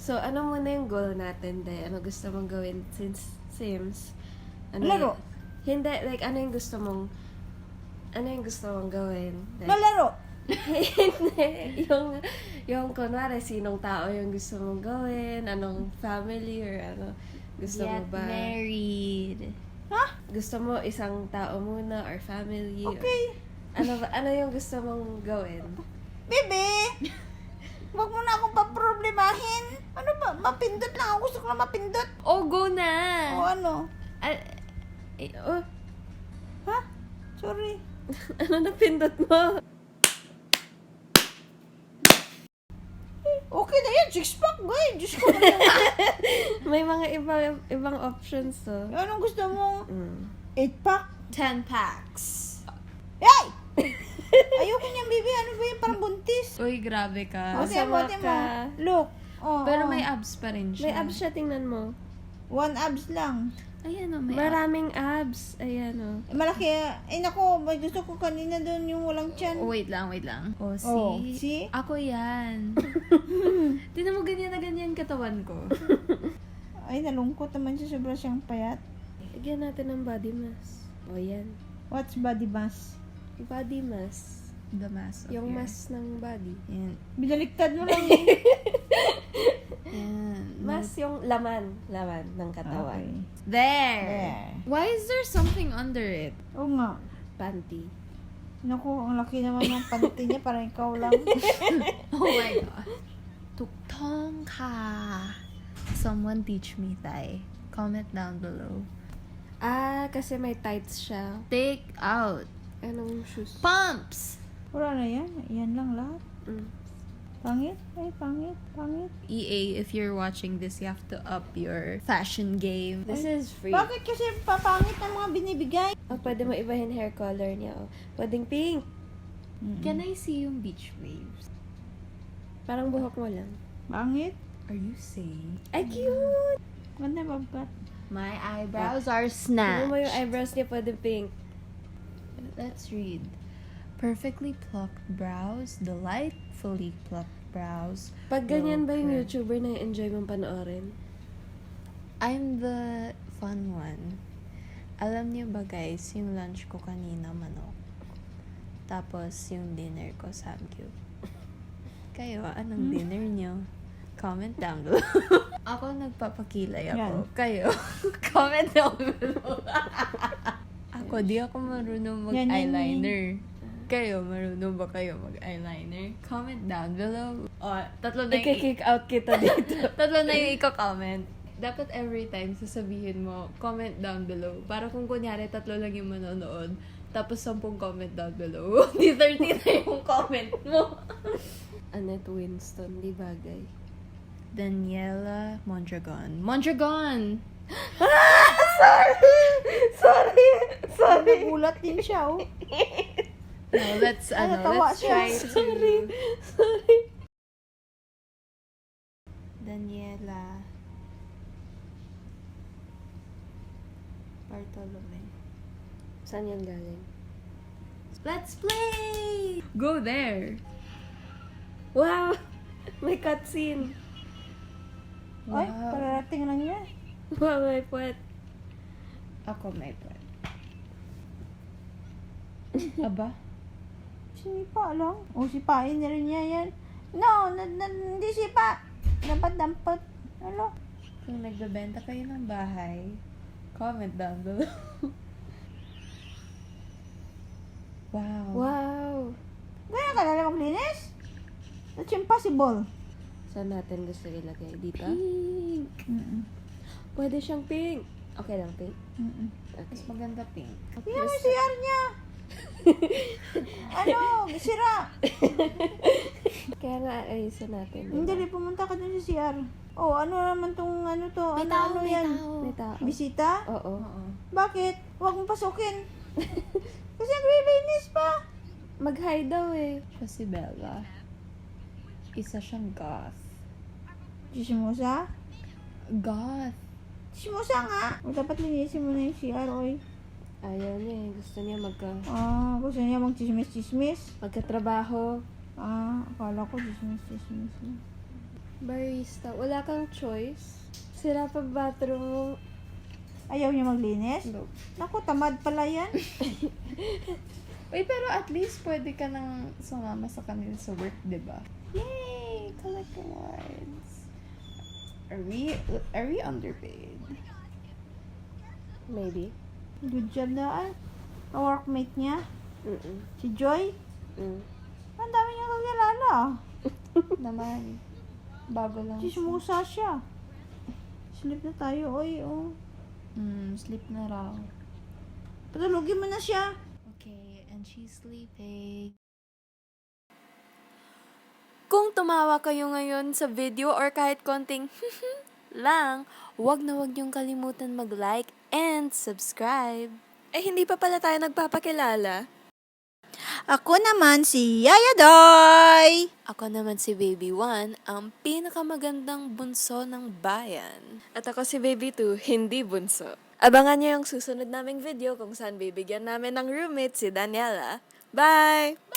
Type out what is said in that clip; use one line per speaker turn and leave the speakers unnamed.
So, ano muna yung goal natin, de? Ano gusto mong gawin since Sims? Ano
Laro.
Hindi, like, ano yung gusto mong gawin? Like,
Malaro.
Hindi. Yung kunwari, sinong tao yung gusto mong gawin? Anong family or ano? Gusto mo
Get
ba?
married.
Ha?
Gusto mo isang tao muna or family?
Okay.
Ano yung gusto mong gawin?
Bebe! Huwag mo na akong paproblemahin. Ano ba? Mapindot lang ako. Gusto ko na mapindot.
Oh, go na!
O ano?
Oh,
Ha? Sorry.
ano napindot mo?
Okay na yan. Six-pack, guy. Diyos ko naman.
May mga ibang options to.
Anong gusto mo?
Mm.
8-pack?
10 packs.
Yay! Ayoko niyan, baby. Ano ba yan? Parang buntis.
Uy, grabe ka.
O, tiyan mo,
Masama
tiyan mo.
ka.
Look. Oh,
Pero
oh.
may abs pa rin siya.
May abs siya, tingnan mo.
1 abs lang.
Ayan o, may abs.
Maraming abs. Ayan o.
Malaki. Eh, naku. May gusto ko kanina doon yung walang tiyan.
Oh, wait lang. Oh, see?
Oh, see?
Ako yan. Tinan mo ganyan na ganyan katawan ko.
Ay, nalungkot naman siya. Sobra siyang payat.
Lagyan natin ng body mask. O yan.
What's body mass?
Body mask.
The mass of
Yung
your-
mask ng body.
Yan.
Binaliktad mo lang eh.
Yan.
Mask yung laman ng katawan.
Okay.
There.
There.
Why is there something under it?
Oo nga.
Panty.
Naku, ang laki naman ng panty niya. Parang ikaw lang.
Oh my god. Tuktong ka. Someone teach me Thai. Comment down below.
Kasi may tights siya.
Take out.
Anong shoes?
Pumps.
Wala na yan. Yan lang lahat.
Mm.
Pangit. Ay, pangit. Pangit.
EA, if you're watching this, you have to up your fashion game.
This is free.
Bakit kasi papangit ang mga binibigay?
Pwede mo ibahin hair color niya. Pwedeng pink.
Can I see yung beach waves?
Parang buhok mo lang.
Pangit.
Are you saying?
Ay, cute!
Ganda babgat.
My eyebrows are
Tignan mo yung
snatched.
eyebrows niya, pwede pink.
Let's read. Perfectly plucked brows, delightfully plucked brows.
Pag ganyan ba yung
Okay.
YouTuber na enjoy mong panoorin?
I'm the fun one. Alam niyo ba guys, yung lunch ko kanina manok. Tapos yung dinner ko samgyup. Kayo, anong dinner niyo? Comment down below. Ako nagpapakilay ako.
Yan.
Kayo, comment down below. Ako, di ako marunong
Yan, yan,
mag-eyeliner. Kayo, marunong ba kayo mag-eyeliner? Comment down below. Tatlo na yung
I-kick out kita dito.
tatlo na yung i-comment. Dapat every time sasabihin mo, comment down below. Para kung kunyari, tatlo lang yung manonood, tapos 10 comment down below. Di 30 na yung comment mo.
Annette Winston, di bagay.
Daniela Mondragon. Mondragon!
Sorry!
Nagulat din siya, oh.
No, let's
natawa siya.
try to...
Sorry.
Daniela Bartolome.
Saan yan galing?
Let's play! Go there!
Wow! May cutscene.
Ay, pararating lang niya.
Wow, may puwet.
Ako may plan. Aba?
Sinipa lang. O, sipain na rin niya yan. No, hindi sipa. Dapat dampot. Ano?
Kung nagbebenta kayo ng bahay, comment down below. Wow.
Wow!
Ganyan ka na maglinis? That's impossible.
Saan natin gusto ilagay? Dito?
Pink.
Pwede siyang pink. Okay lang, pink.
Mas
Okay.
maganda pink.
Tingnan mo yung CR niya. Ano? Sira.
Kaya nga, ayusin natin. diba?
Hindi, pumunta ka dun sa CR. Oh, ano naman tong ano to?
May
Ano,
tao,
ano
may
yan?
tao.
May tao.
Bisita?
Oo.
Oo.
Bakit? Huwag mong pasukin. Kasi naglilinis pa.
Mag-hi daw eh.
Siya si Bella. Isa siyang goth.
Chismosa?
Goth?
Chismosa nga. O, dapat linisin mo na yung CR, oy.
Ayaw niya eh. Gusto niya
Gusto niya magchismis-chismis.
magkatrabaho.
Akala ko chismis-chismis lang.
Barista, wala kang choice. Sira pa bathroom mo.
Ayaw niya maglinis?
No.
Naku, tamad pala yan.
Uy, pero at least pwede ka nang sumama sa kanila sa work, di ba? Yay! Collect awards. Are we underpaid?
Maybe.
Good job na workmate niya.
Mm-mm.
Si Joy. Ang dami niya kakilala.
Naman. Bago lang.
Chismosa siya. Sleep na tayo, oy, oh.
Sleep na raw.
Patulogin mo na siya.
Okay, and she's sleeping. Kung tumawa kayo ngayon sa video or kahit konting lang, wag na wag niyong kalimutan mag-like and subscribe.
Eh, hindi pa pala tayo nagpapakilala.
Ako naman si Yaya Doy.
Ako naman si Baby One, ang pinakamagandang bunso ng bayan.
At ako si Baby 2, hindi bunso. Abangan niyo yung susunod naming video kung saan bibigyan namin ng roommate si Daniela. Bye!